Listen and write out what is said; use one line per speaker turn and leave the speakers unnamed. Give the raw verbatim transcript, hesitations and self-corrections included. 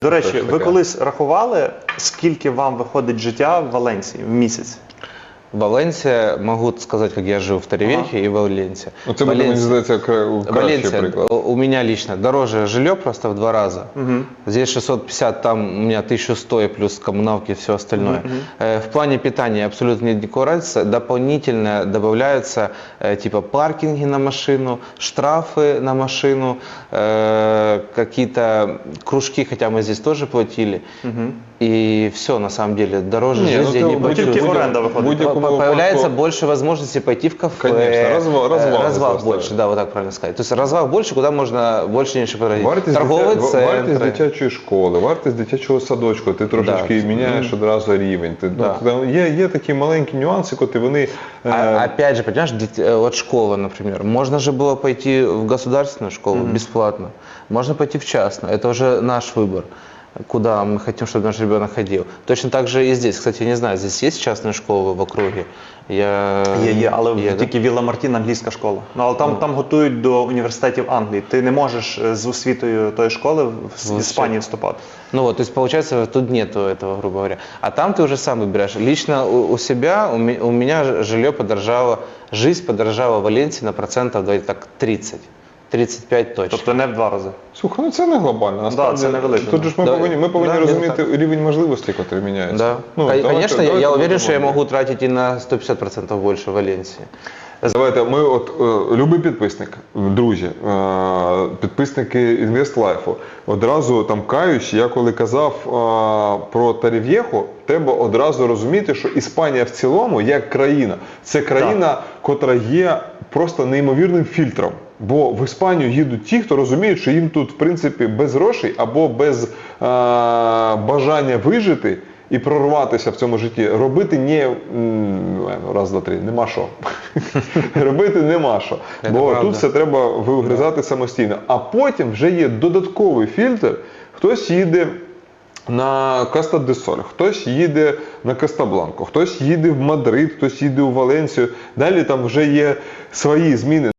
До речі, ви колись рахували, скільки вам виходить життя в Валенсії в місяць?
Валенсия, могу сказать, как я жил в Торревехе ага. и в Валенсии.
Ну, это будет, мне кажется,
Валенсия, у меня лично дороже жилье просто в два раза. Угу. Здесь шестьсот пятьдесят, там у меня тысяча сто и плюс коммуналки и все остальное. Угу. В плане питания абсолютно нет никакой разницы. Дополнительно добавляются типа паркинги на машину, штрафы на машину, какие-то кружки, хотя мы здесь тоже платили. Угу. И все, на самом деле, дороже
не,
жизни
ну,
не
почувствуешь.
Появляется больше возможностей пойти в кафе.
Конечно, развал, развал,
развал больше, да, вот так правильно сказать. То есть развал больше, куда можна більше ніж потратити.
Вартість
Торговий
дитя...
центр.
Вартість дитячої школи, вартість дитячого садочку, ти трошечки да. міняєш одразу рівень. Ти, да. ну, є, є такі маленькі нюанси, коли вони...
А, опять же, понимаешь, вот школа, например, можно же было пойти в государственную школу mm-hmm. бесплатно, можно пойти в частную, это уже наш выбор. Куда мы хотим, чтобы наш ребенок ходил. Точно так же и здесь. Кстати, я не знаю, здесь есть частные школы в округе? Я...
Є, є, але є, тільки да? Вілла Мартін англійська школа. Ну, але там, mm. там готують до університетів Англії. Ти не можеш з освітою тої школи в Іспанії вступати.
Ну вот, то есть получается, тут нету этого, грубо говоря. А там ты уже сам выбираешь. Лично у, у себя, у, ми, у меня жилье подорожало, жизнь подорожала в Валенсии на процентов так тридцать. тридцять п'ять точно.
Тобто не в два рази.
Слухай, ну це не глобально.
Насправді, да, це не велике.
Тут же ж ми
да.
повинні, ми повинні
да,
розуміти рівень можливостей, який міняється.
Да.
Ну,
Конечно,
давайте,
я,
давайте
я уверен, что я могу тратить и на сто пятьдесят процентов больше в Валенсии.
Давайте, ми от, е, любий підписник, друзі, е, підписники InvestLife, одразу там каюсь, я коли казав е, про Торрев'єху, треба одразу розуміти, що Іспанія в цілому, як країна, це країна, так. котра є просто неймовірним фільтром. Бо в Іспанію їдуть ті, хто розуміють, що їм тут, в принципі, без грошей або без е, бажання вижити і прорватися в цьому житті, робити не, раз, два, три, нема що. Робити нема що. Бо тут все треба вигризати самостійно. А потім вже є додатковий фільтр, хтось їде на Коста-дель-Соль, хтось їде на Коста-Бланку, хтось їде в Мадрид, хтось їде у Валенсію. Далі там вже є свої зміни.